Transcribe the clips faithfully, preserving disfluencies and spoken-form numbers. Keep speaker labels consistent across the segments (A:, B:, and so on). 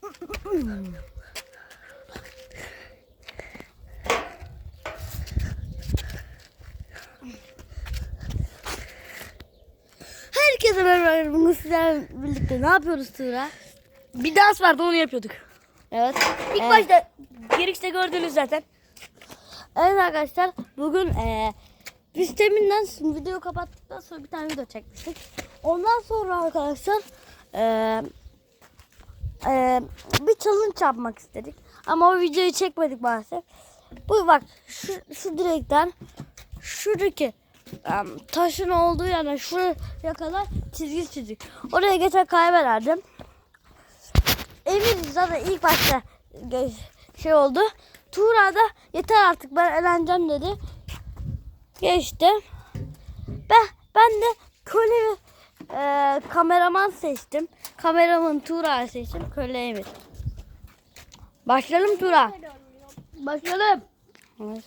A: Herkese merhaba. Bugün sizlerle birlikte ne yapıyoruz Tuğra?
B: Bir dans vardı, onu yapıyorduk.
A: Evet.
B: İlk
A: Evet.
B: başta girişte gördünüz zaten.
A: Evet arkadaşlar, bugün ee, biz teminden video kapattıktan sonra bir tane video çekmiştik. Ondan sonra arkadaşlar ee, ee, bir challenge yapmak istedik. Ama o videoyu çekmedik maalesef. Bu bak şu, şu direkten şuradaki um, taşın olduğu yerden şuraya kadar çizgi çizik. Oraya geçen kaybederdim. Emir zaten ilk başta şey oldu. Tuğra da yeter artık ben eğleneceğim dedi. Geçti. Ben, ben de köle ve e, kameraman seçtim. Kameraman Tuğra'yı seçtim. Köle Emir. Başlayalım Tuğra.
B: Başlayalım.
A: Evet.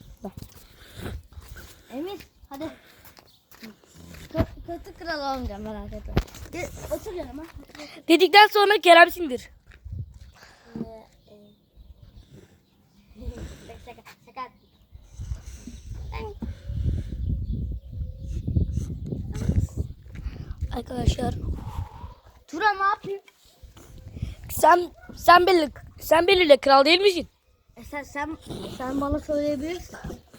A: Emir hadi. Kötü kral olmayacağım merak etme. Gel, otur yanıma.
B: Dedikten sonra Kerem sindir.
A: Şaka, şaka.
B: Arkadaşlar,
A: Tuğra ne yapayım?
B: sen sen belli sen belirle, kral değil misin?
A: E sen, sen, sen bana söyleyebilirsin.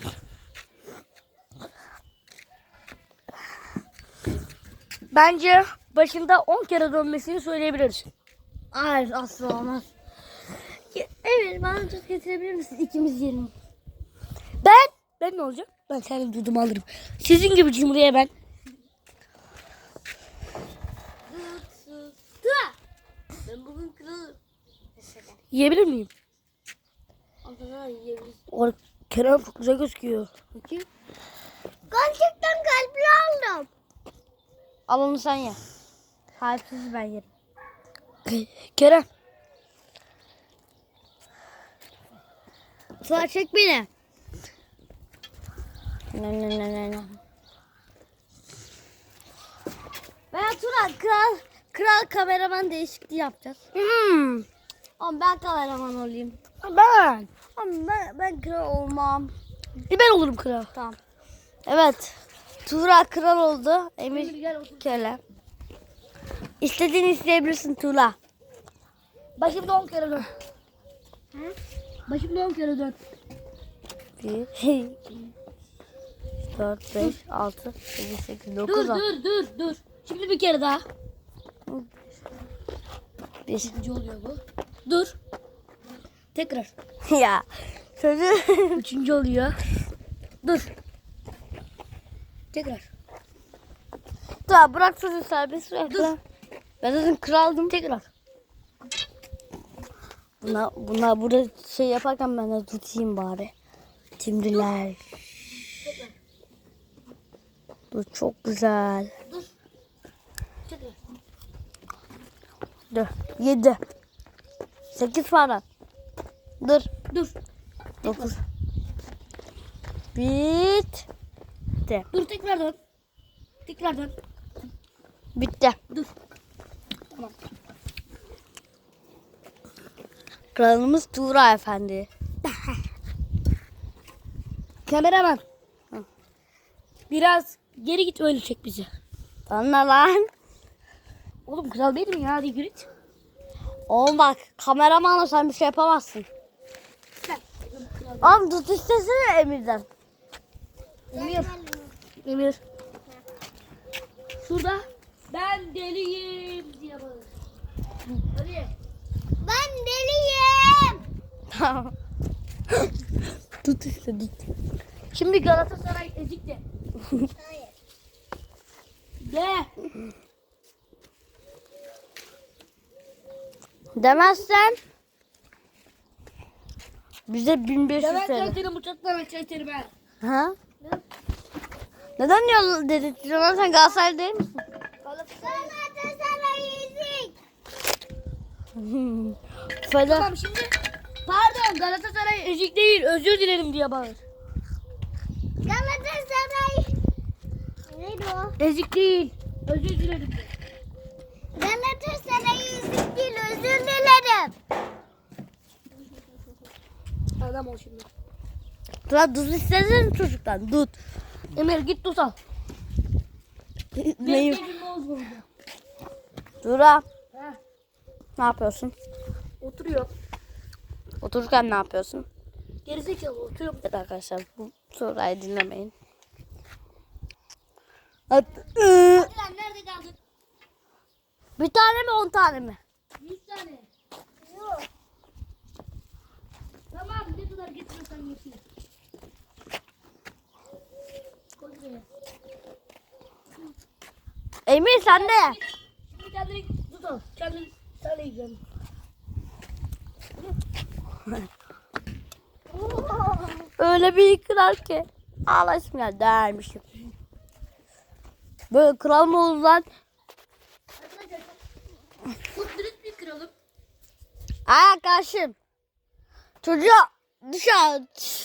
B: Bence başında on kere dönmesini söyleyebiliriz.
A: Hayır asla olmaz. Evet bana tuz getirebilir misin? İkimiz yiyelim.
B: Ben ben ne olacak? Ben senin dudumu alırım. Sizin gibi cumhuriye ben.
A: Tuğra. Ben bugün kralım.
B: Yiyebilir miyim?
A: Aslında yiyebilirsin.
B: O Kerem çok güzel gözüküyor.
A: Bakayım. Gerçekten kalpli aldım. Al onu sen ye. Kalpsiz ben yerim.
B: Kerem.
A: Tuğra çek beni. Ne ne ne ne ne. Ben Tuğra kral kral kameraman değişikliği yapacağız.
B: Hmm.
A: Ama ben kameraman olayım.
B: Ben.
A: Ama ben, ben kral olmam.
B: E ben olurum kral.
A: Tamam. Evet. Tuğra kral oldu. Emir köle. İstediğini isteyebilirsin Tuğra.
B: Başımda on kere dön. Başımda on kere dön.
A: bir, dört, beş, altı, yedi, sekiz, dokuz,
B: Dur
A: on.
B: dur dur dur. Şimdi bir kere daha.
A: Bir.
B: İkinci oluyor bu. Dur. Tekrar.
A: Ya. Sözü.
B: Üçüncü oluyor. Dur. Tekrar.
A: Tuğra bırak sözü serbest bırak.
B: Dur.
A: Ben zaten kraldım.
B: Tekrar.
A: Buna, buna burada şey yaparken ben de tutayım bari. Timriler. Dur çok güzel.
B: Dur. Tekrar.
A: Dur. Yedi. Sekiz falan. Dur.
B: Dur.
A: Dokuz. Bitti.
B: Dur tekrar dön. Tekrar dön.
A: Bitti.
B: Dur. Tamam.
A: Kralımız Tuğra Efendi.
B: Kameraman. Biraz geri git, öyle çek bizi.
A: Anla lan.
B: Oğlum kral değil mi ya? Hadi yürü git.
A: Oğlum bak kameramanla sen bir şey yapamazsın. Oğlum tut istesene Emir'den.
B: Emir. Emir. Şurada ben deliyim diye bağır. Hadi.
A: Ben deliyim. Tamam. Tut işte tut.
B: Şimdi Galatasaray ezikti.
A: Hayır.
B: De.
A: Demezsen bize bin beş yüz
B: Ben
A: T L.
B: seni bıçaktan aşağı iterim ben.
A: Ha? Neden yol dedirtiyorsun? Sen Galatasaray değil misin?
B: Galatasaray ezik.
A: Feda.
B: Tamam şimdi. Pardon, Galatasaray ezik değil, özür dilerim diye bağır.
A: Galatasaray. Neydi o?
B: Ezik değil, özür dilerim.
A: Galatasaray ezik değil, özür dilerim.
B: Adam ol şimdi.
A: Turan tuz istesene çocuktan. Tut.
B: Emir git tuz al.
A: Neyim?
B: Benim ne oldu?
A: Turan.
B: Ha,
A: Ne yapıyorsun?
B: oturuyor.
A: Otururken ne yapıyorsun?
B: Gerizekalı oturuyor.
A: Evet arkadaşlar bu Turay'ı dinlemeyin. Hadi. ıı,
B: Hadi lan nerede kaldın?
A: Bir tane mi on tane mi?
B: yüz tane. Yok. Tamam ne kadar getiriyorsan getir. Koy buraya.
A: Emir sen de.
B: Şimdi kendini tut al. Kendini sen de yiyeceksin.
A: Öyle bir kral ki. Ağlaşım ya dermişim. Böyle kral mı olur lan?
B: Arkadaşlar çok dürüst bir kralım.
A: Aa karşım. Çocuğa dışarı.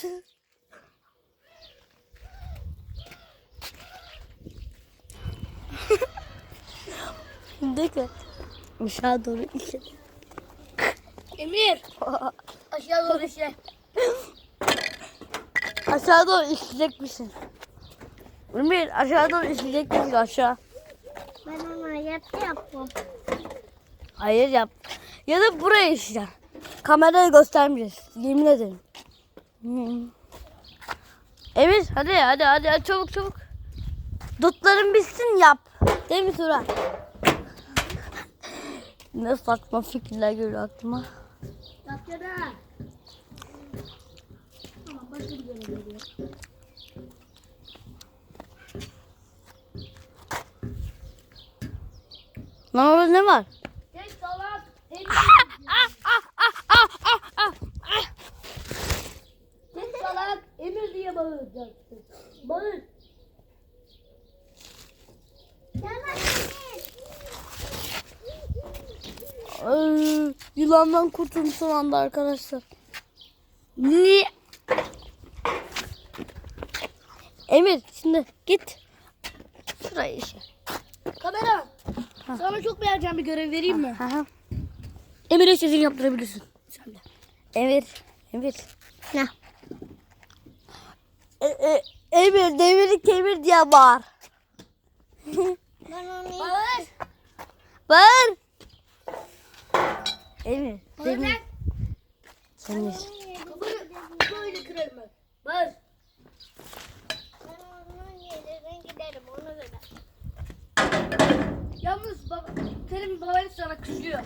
A: Şimdi ki aşağı doğru işe.
B: Emir aşağı doğru işte.
A: Aşağı doğru işleyecek misin? Emir aşağı doğru işleyecek misin aşağı?
B: Ben ona yaptı yaptım.
A: Hayır yap. Ya da buraya işle. Kamerayı göstermeyeceğiz. Yemin ederim. Hmm. Emir hadi hadi hadi hadi, çabuk çabuk. Dutların bitsin yap. Değil mi Turan? Ne saçma fikirler geliyor aklıma.
B: Yaptı da. Tamam başka bir yere geliyor.
A: Lan orada ne var?
B: Geç salak. Emir. Geç salak. Emir diye bağıracaksın. Bağır.
A: Ay, yılandan kurtuldum son anda arkadaşlar. Niye? Emir şimdi git. Şuraya işe.
B: Kamera. Sana çok beğeneceğim bir görev vereyim mi?
A: Aha.
B: Emir'e sizin yaptırabilirsin. Sen de.
A: Emir. Emir.
B: Ne?
A: E, e, Emir demiri kemir diye bağır.
B: Ben onu bağır.
A: Bağır. Emir.
B: Bağır
A: Demir.
B: lan.
A: Emir.
B: Kafanı böyle kırarım ben. Bağır.
C: Ben onun yerine giderim ona göre.
B: Yalnız baba, senin baban sana kızıyor.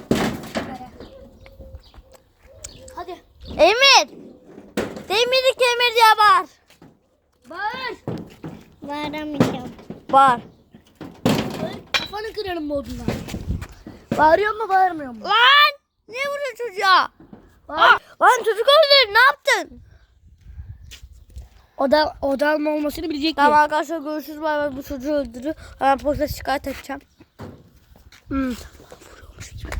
B: Hadi.
A: Emir. Demiri kemir diye bağır.
B: Bağır.
C: Bağıramayacağım.
A: Bağır.
B: Bağır. Kafanı kırarım bu odunla. Bağırıyor mu bağırmıyor mu?
A: Lan. Ne vuruyor çocuğa?
B: Bağır.
A: Aa, lan çocuk öldür. Ne yaptın?
B: Oda, oda alma olmasını bilecek
A: Tamam
B: mi?
A: arkadaşlar görüşürüz. Bay bay. Bu çocuğu öldürür. Hemen polise şikayet edeceğim.
B: Hmm.
A: Vuruyormuş gibi.